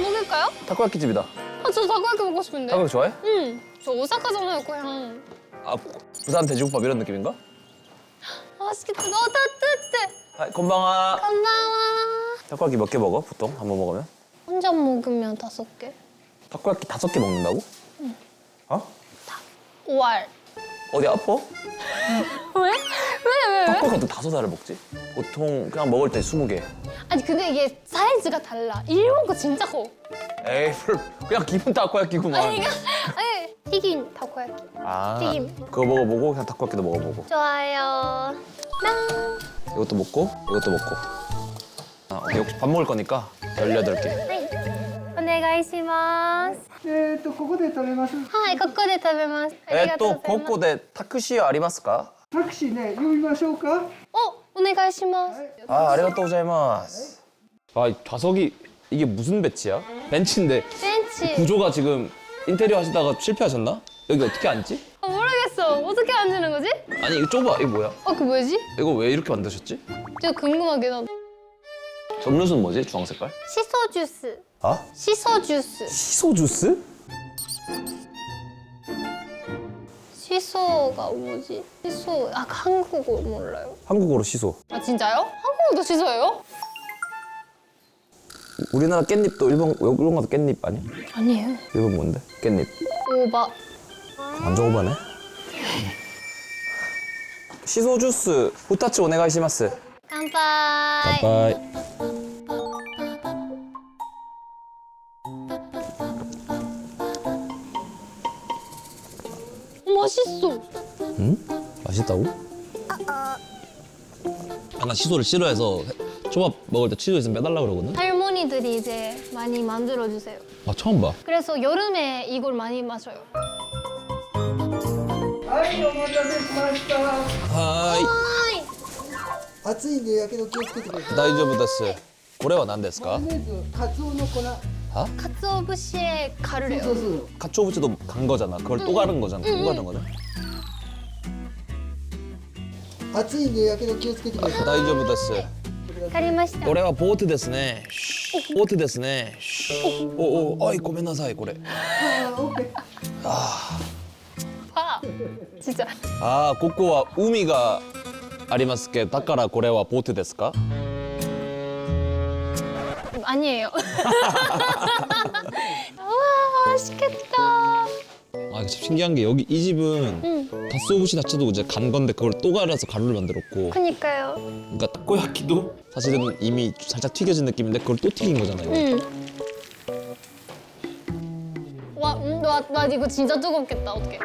먹을까요? 타코야키 집이다. 아, 저 타코야키 먹고 싶은데. 타코야키 좋아해? 응. 저 오사카잖아요, 고향. 아, 부산 돼지국밥 이런 느낌인가? 맛있겠다. 너무 따뜻해. 아, 건방아. 고마워. 타코야키 몇 개 먹어, 보통? 한 번 먹으면? 혼자 먹으면 5개. 타코야키 5개 먹는다고? 응. 어? 5알. 어디 아파? 왜? 왜? 타코야키 어떻게 5알을 먹지? 보통 그냥 먹을 때 20개. 아니, 근데 이게 사이즈가 달라. 일본 거 진짜 커. 에이, 그냥 기본 타코야키구만. 아니, 튀김 타코야키. 아, 튀김. 그거 먹어보고 그냥 타코야키도 먹어보고. 좋아요. 랑. 이것도 먹고, 이것도 먹고. 아, 오케이, 혹시 밥 먹을 거니까 18개. はい。お願いします。 ここで食べます。 はい、ここで食べます。ありがとう 또 ございます。 고코데 타크시 아리마스까? タクシーね、呼びましょうか。 お願いします。 아, 아리가또 고자이마스. 아, 이 좌석이 이게 무슨 배치야? 벤치인데 ベンチ。 구조가 지금 인테리어 하시다가 실패하셨나? 여기 어떻게 앉지? 아, 모르겠어. 어떻게 앉는 거지? 아니 이거 좁아. 이거 뭐야? 그 뭐지? 이거 왜 이렇게 만드셨지? 진짜 궁금하긴 하다. 저 음료수는 뭐지? 주황 색깔? 시소 주스. 아? 시소 주스. 시소 주스? 시소가 뭐지? 시소. 아, 한국어 몰라요. 한국어로 시소. 아, 진짜요? 한국어도 시소예요? 우리나라 깻잎도 일본 가도 깻잎 아니야? 아니에요. 일본 뭔데? 깻잎. 오바. 완전 오바네. 시소 주스 후타츠 오네가이시마스. 乾杯. 바이바이. 맛있어. 응? 맛있다고? 아, 나 시소를 싫어해서 초밥 먹을 때 치즈 있으면 빼달라 그러거든? 할머니들이 이제 많이 만들어 주세요. 아, 처음 봐. 그래서 여름에 이걸 많이 마셔요. はい、お待たせしました。 하이. 暑いんでやけど気をつけてください。 다이저브 데스. 고래와 난 데스까? マヨネーズ、カツオの粉。 가츠오부시에 가루래요. そうそう。 카초부치도 간 거잖아. 그걸 또 가른 거잖아. 또 가른 거잖아. 暑いんでやけど気をつけてください。 다이저브 데스. わかりました。 고래와 보트 데스ね. 보트 데스ね. 오, 아이 고멘나사이 고래. あー、オッケー。 봐. 진짜. 아, 고코와 우미가 아리마스케. 다카라 고래와 보트 데스까? 아니에요. 우와, 맛있겠다. 아, 이거 참 신기한 게 여기 이 집은 갓소부시 자체도 이제 간 건데 그걸 또 갈아서 가루를 만들었고, 그니까요. 그러니까 타코야키도 사실은 이미 살짝 튀겨진 느낌인데 그걸 또 튀긴 거잖아요. 와, 이거 진짜 뜨겁겠다. 어떡해.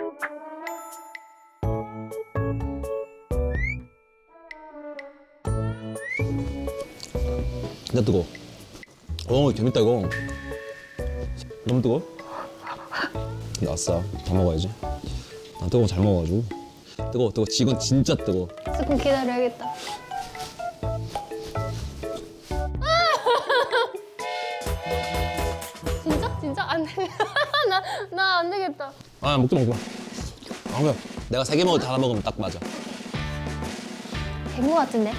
진짜 뜨거워. 재밌다 이거. 너무 뜨거워? 근데 아싸, 다 먹어야지. 난 뜨거운 거 잘 먹어가지고. 뜨거워. 이건 진짜 뜨거워. 조금 기다려야겠다. 진짜? 안 돼. 나 안 되겠다. 아, 먹지 마. 아, 그래. 내가 3개 먹을 때 하나 먹으면 딱 맞아. 된 거 같은데?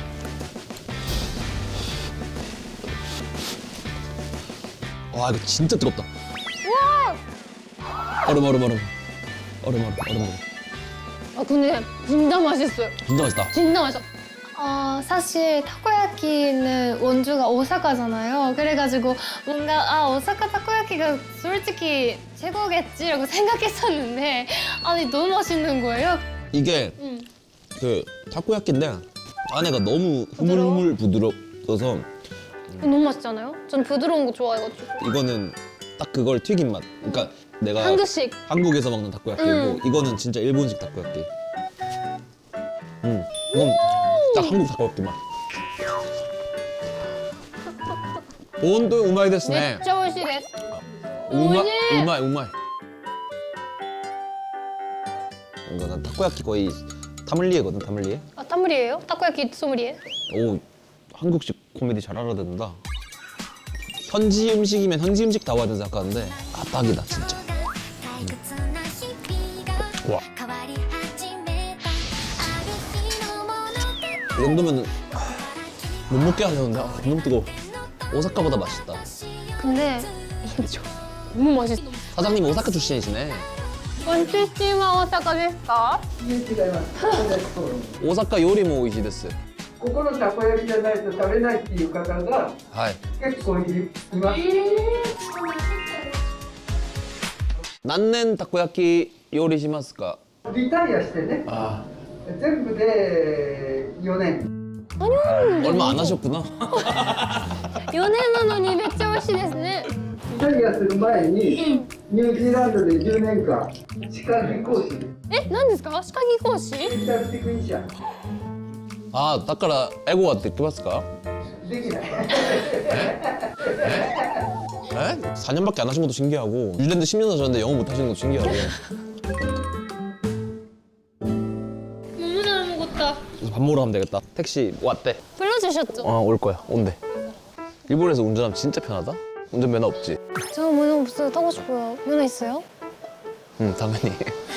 와, 이거 진짜 뜨겁다. 우와! 얼음. 아, 근데 진짜 맛있어요. 진짜 맛있다. 진짜 맛있어. 사실 타코야키는 원주가 오사카잖아요. 그래가지고 뭔가 오사카 타코야키가 솔직히 최고겠지라고 생각했었는데 아니 너무 맛있는 거예요. 이게 그 타코야끼인데 안에가 너무 흐물흐물 부드러워서 너무 맛있잖아요. 전 부드러운 거 좋아해가지고. 이거는 딱 그걸 튀긴 맛. 그러니까 내가 한국식. 한국에서 먹는 타코야끼고 이거는 진짜 일본식 타코야끼. 이건 딱 한국 타코야끼 맛. 온도 우마이 데스네. めっちゃ美味しいです。 우마이. 이거 난 타코야끼 거의 타물리에거든, 타물리에. 아, 타무리예요? 타코야키 소무리에? 오, 한국식 코미디 잘 알아듣는다. 현지 음식이면 현지 음식 다 와야 된다 생각하는데 딱이다 진짜. 와. 이 정도면 못 먹게 하려는데 너무 뜨거워. 오사카보다 맛있다. 근데 인조. 너무 맛있어. 사장님 오사카 출신이시네. 원치씨와 오사카 ですか? いえ違いますたこ焼きそう 오사카 요리も美味しいです。 ここのたこ焼きじゃないと食べないっていう方がはい。 結構います何年たこ焼き料理しますか？ リタイアしてねあ全部で4年 얼마 안 하셨구나. 4年なのにめっちゃ美味しいですね。 リタイアする前にニュージーランドで10年間歯科技講師え、何ですか？歯科技講師？ デンタルテクニシャン 아, だから英語はできますか？ できない 에? 4년밖에 안 하신 것도 신기하고 뉴질랜드 10년 사셨는데 영어 못 하시는 것도 신기하고. 너무 잘 먹었다. 그래서 밥 먹으러 가면 되겠다. 택시 왔대. 불러주셨죠? 올 거야. 온대. 일본에서 운전하면 진짜 편하다. 운전면허 없지? 저 면허 없어요. 타고 싶어요. 면허 있어요? 응, 당연히.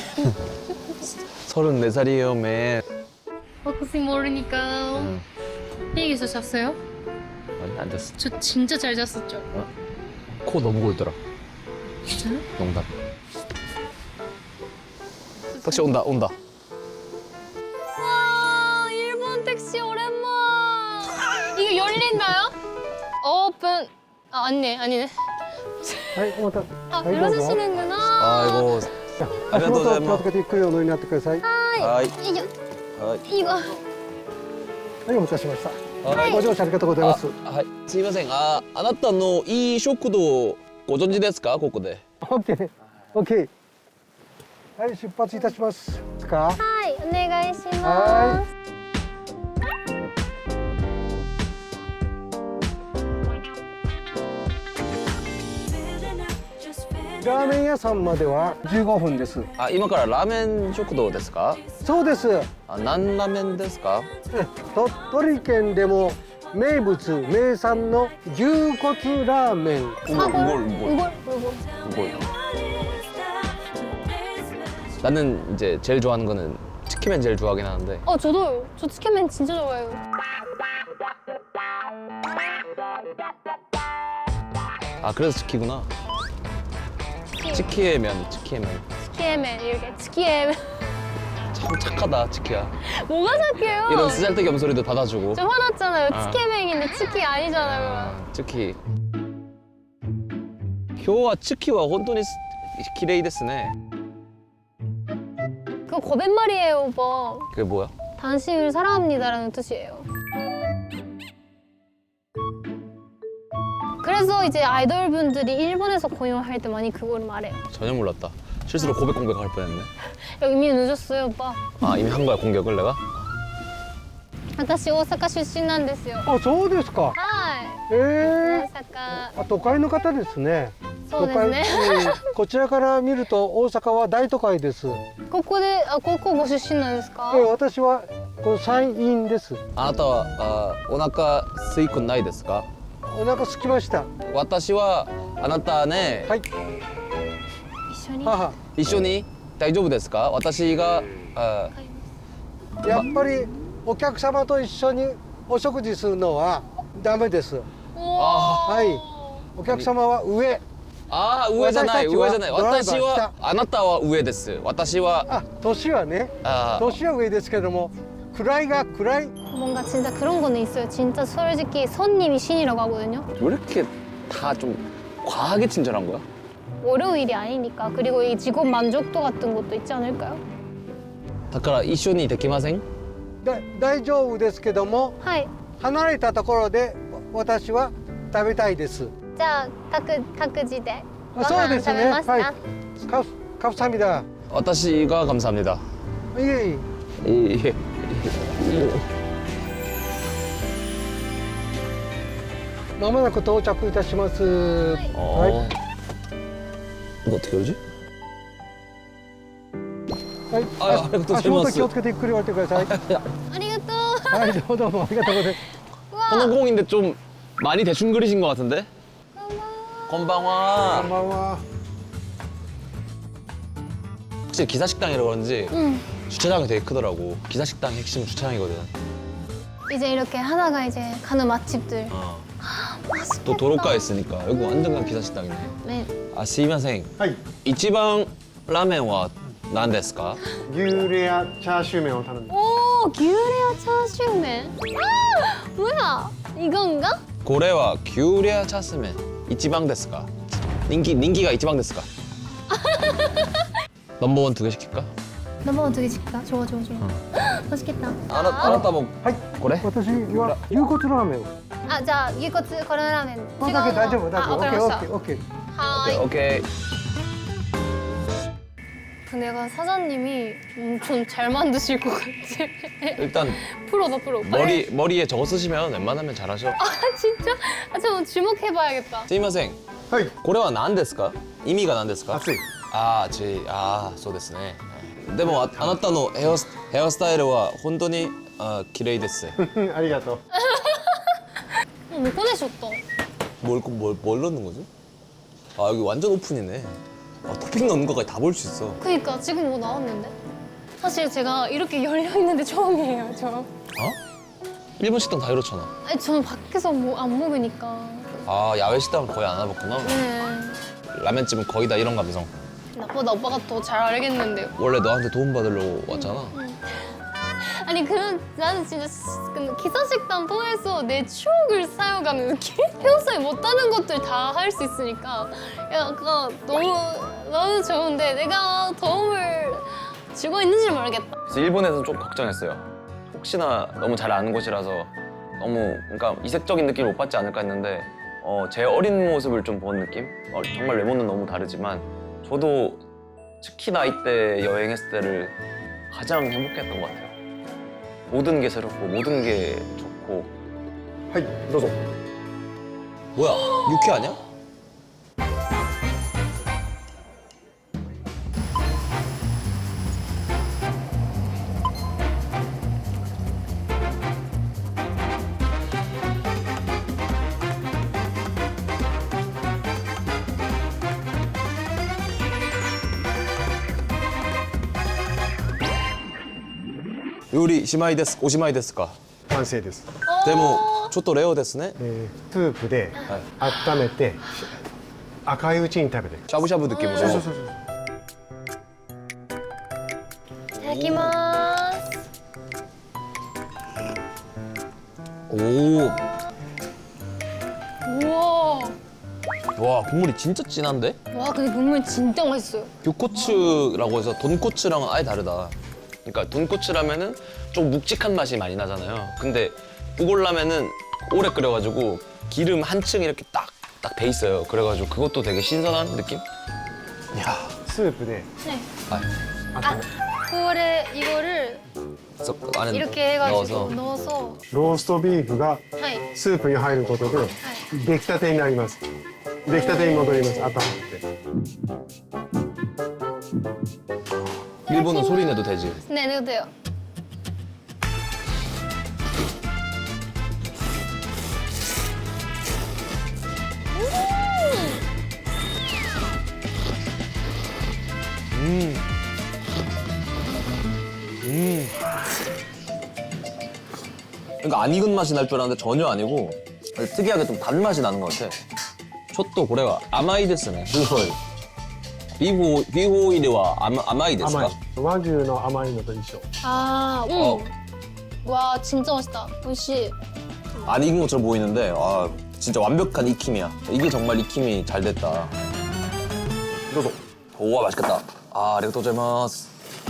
34살이에요, 맨. 혹시 모르니까 비행기에서 잤어요? 아니, 안 잤어. 저 진짜 잘 잤었죠? 코 너무 골더라. 진짜요? 농담. 택시 온다, 온다. 와, 일본 택시 오랜만. 이거 열린다요? 오픈. 아, 아니네, 아니네. はいお待た 아, はいどうぞ 불러주시는구나. 아이고. ありがとうございます足元を気をつけてゆっくりお乗りになってくださいは 하이. 이거, 하이. 이거. いお待たせしました 하이. ご乗車ありがとうございますはい。すいません。あなたのいい食堂ご存知ですか？ここで。 OK OK はい出発いたしますか 하이, お願いします. 하이. ラーメン屋さんまでは15分です 아, 今からラーメン食堂ですか？ そうですあ、何ラーメンですか？ 鳥取県でも名物名産の牛骨ラーメン 이걸. 이걸. 나는 이제 제일 좋아하는 거는 치킨맨 제일 좋아하긴 하는데. 저도요. 저 치킨맨 진짜 좋아해요. 아, 그래서 치키구나. 치키의 면, 치키의 면. 치키맨 이렇게 치키맨. 참 착하다, 치키야. 뭐가 착해요? 이런 쓰잘데기 없는 소리도 받아주고. 저 화났잖아요. 아. 치키맨인데 치키 아니잖아요. 아, 치키. 今日はチキは本当に綺麗ですね. 그거 거짓말이에요, 오빠. 그게 뭐야? 당신을 사랑합니다라는 뜻이에요. 그래서 이제 아이돌 분들이 일본에서 공연할 때 많이 그거를 말해요. 전혀 몰랐다. 실수로 고백 공격할 뻔했네. 이미 늦었어요, 오빠. 아, 이미 한 거야, 공격을 내가? 私大阪出身なんですよ。 あそうですかはい。 え大阪。 あ都会の方ですねそうですね。 こちらから見ると大阪は大都会ですここご出身なんですか？ 私はこの山陰ですあなたはお腹空いくないですか？ お腹空きました私はあなたね、 はい一緒に。 母一緒に大丈夫ですか？私がやっぱりお客様と一緒にお食事するのはダメですはいお客様は上あー上じゃない私たちは上じゃないドライバー私はあなたは上です私はあ年はね 아 年は上ですけども位が位 뭔가 진짜 그런 거는 있어요. 진짜 솔직히 손님이 신이라고 하거든요. 왜 이렇게 다 좀 과하게 친절한 거야? 월요일이 아니니까. 그리고 이 직업 만족도 같은 것도 있지 않을까요? だから一緒にできません？ 大丈夫ですけども 하이. 離れたところで私は食べたいです 자, 탁지대. そうですねはい 다 감사합니다 私が감사합니다. 예 예. まもなく到着いたしますは 이거 어떻게 열지? い、はいあありがとうございます足元気をつけてゆっくり降りてください 아리가또. はいどうもありがとうございます 선호공인데 좀 많이 대충 그리신 것 같은데? 건방와. こんばんは 확실히 기사식당이라 그런지 응. 주차장이 되게 크더라고. 기사식당이 핵심 주차장이거든. 이제 이렇게 하다가 이제 가는 맛집들. 어. 맛있겠다. 또 도로가에 있으니까 여기 완전 기사 식당이네. 네. 아, 스미마셍. はい 이치방 라멘은何ですか? 牛レアチャーシュー麺を頼んで 오, 귤레아 차슈맨. 아, 뭐야? 이건가? これは규레아 차스멘. 이치방 ですか? 인기가 이치방 ですか? 넘버원 2개 시킬까? 넘버원 2개 시킬까? 좋아. 맛있겠다. 알았다 뭐. はい 그래? 私は牛骨ラーメンを 아, 자, 이것도コロラーメン. これだけ大丈夫大丈夫 아, オッケー 오케이, オッケーオッケー 하이. 오케이. 내가 사장님이 엄청 잘 만드실 것 같아. 일단 프로다, 프로. 머리에 저거 쓰시면 웬만하면 잘하셔. 아, 진짜? 아, 좀 주목해봐야겠다. すいません。 はいこれは何ですか? 의미가 何ですか? 熱いそうですね。でもあなたのヘアスタイルは本当に綺麗です。 ありがとう 못 보내셨다. 뭘 넣는 거지? 아 여기 완전 오픈이네. 토핑 넣는 거까지 다 볼 수 있어. 그니까 지금 뭐 나왔는데? 사실 제가 이렇게 열려있는데 처음이에요, 저. 어? 일본 식당 다 이렇잖아. 아니, 저는 밖에서 뭐 안 먹으니까. 아 야외 식당은 거의 안 와봤구나. 네. 라면집은 거의 다 이런 감성. 나보다 오빠가 더 잘 알겠는데요. 원래 너한테 도움 받으려고 왔잖아. 아니, 나는 진짜 기사식당 통해서 내 추억을 쌓여가는 느낌? 평소에 못하는 것들 다 할 수 있으니까 약간 너무 좋은데 내가 도움을 주고 있는지 모르겠다. 그래서 일본에서는 좀 걱정했어요. 혹시나 너무 잘 아는 곳이라서 너무 그러니까 이색적인 느낌을 못 받지 않을까 했는데 제 어린 모습을 좀 본 느낌? 정말 외모는 너무 다르지만 저도 특히나 이때 여행했을 때를 가장 행복했던 것 같아요. 모든 게 새롭고 모든 게 좋고. はいどうぞ 뭐야? 육회 아니야? 요리 시마이 데스, 오시마이 데스か? 完成ですでもちょっとレオですね。 スープで温めて赤いうちに食べて 샤브샤브 느낌으로. そういただきます。 오, 우와. 와 국물이 진짜 진한데? 와, 근데 국물 진짜 맛있어요. 교코츠라고 해서 돈코츠랑은 아예 다르다. 그러니까 돈코츠라면은 좀 묵직한 맛이 많이 나잖아요. 근데 우골라면은 오래 끓여가지고 기름 한층 이렇게 딱 배 있어요. 그래가지고 그것도 되게 신선한 느낌? 이야, スープで 네. 아, 温め 이거를 썩 안에 이렇게 해가지고 넣어서. 넣어서 ローストビーフが 하이. スープに入ることで出来たてになります出来たてに戻ります温めて 일본은 소리 내도 되지. 네, 넣어도 돼요. 그러니까 안 익은 맛이 날 줄 알았는데 전혀 아니고 특이하게 좀 단맛이 나는 것 같아. 촛도 고래가 아마이 데스네. 비호 오일이와 아마이 甘 데스까? い和牛の甘いのと一緒 아, 어. 와, 진짜 맛있다. 역시. 안 익은 것처럼 보이는데 진짜 완벽한 익힘이야. 이게 정말 익힘이 잘 됐다. どうぞ 우와 맛있겠다. 아리가또 고자이마스.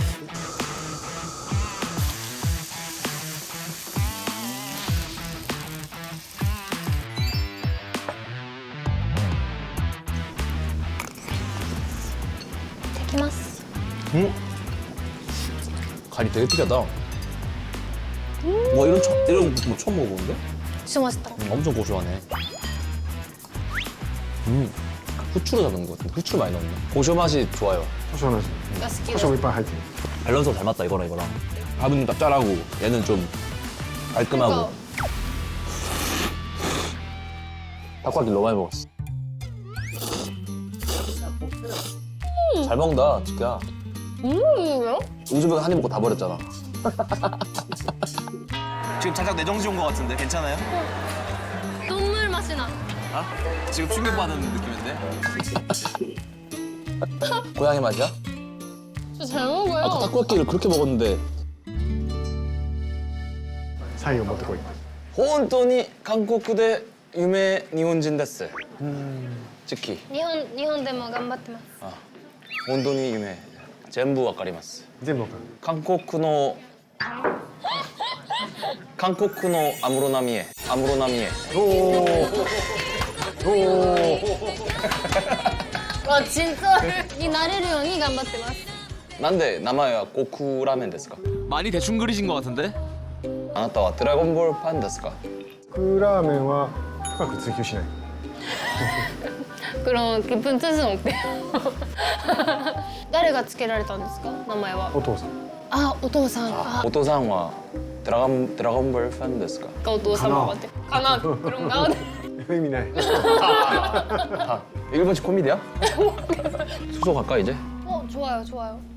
데키마스. 간이 되게 특이하다. 와 이런 거 처음 먹어보는데? 진짜 맛있다. 엄청 고소하네. 후추로 잡은 것 같은데 후추를 많이 넣었네. 고소 맛이 좋아요. 胡椒の味 야스키. 胡椒もいっぱい入ってる 밸런스가 잘 맞다 이거랑 이거랑. 밥은 좀 짭짤하고 얘는 좀 깔끔하고. 닭갈비 너무 많이 먹었어. 잘 먹는다 치키야. 이거요? 우즈벡 한입 먹고 다 버렸잖아. 지금 살짝 내 정신 온 것 같은데 괜찮아요? 눈물 맛이 나. 지금 충격받은 느낌인데? 고양이 맛이야? 저 잘 먹어요. 아까 타코야끼를 그렇게 먹었는데 サインを持ってこい。 本当に韓国で有名日本人ですチキ日本でも頑張ってます。 本当に有名全部わかります全部わかる。 韓国の安室奈美恵 진짜 이 나래를 형이頑張ってます. なんで名前は고쿠ラーメンですか 많이 대충 그리신 것 같은데? あなたはドラゴンボールファンですかクラーメンは深く追求しない。 그럼 깊은 뜻은 없대요. 誰がつけられたんですか名前はお父さん。 아, お父さん. お父さんはドラゴンボールファンですか 아, お父様같아. 가나 그런가? 意味ない。 일본식 코미디야? 수소 갈까 이제? 좋아요.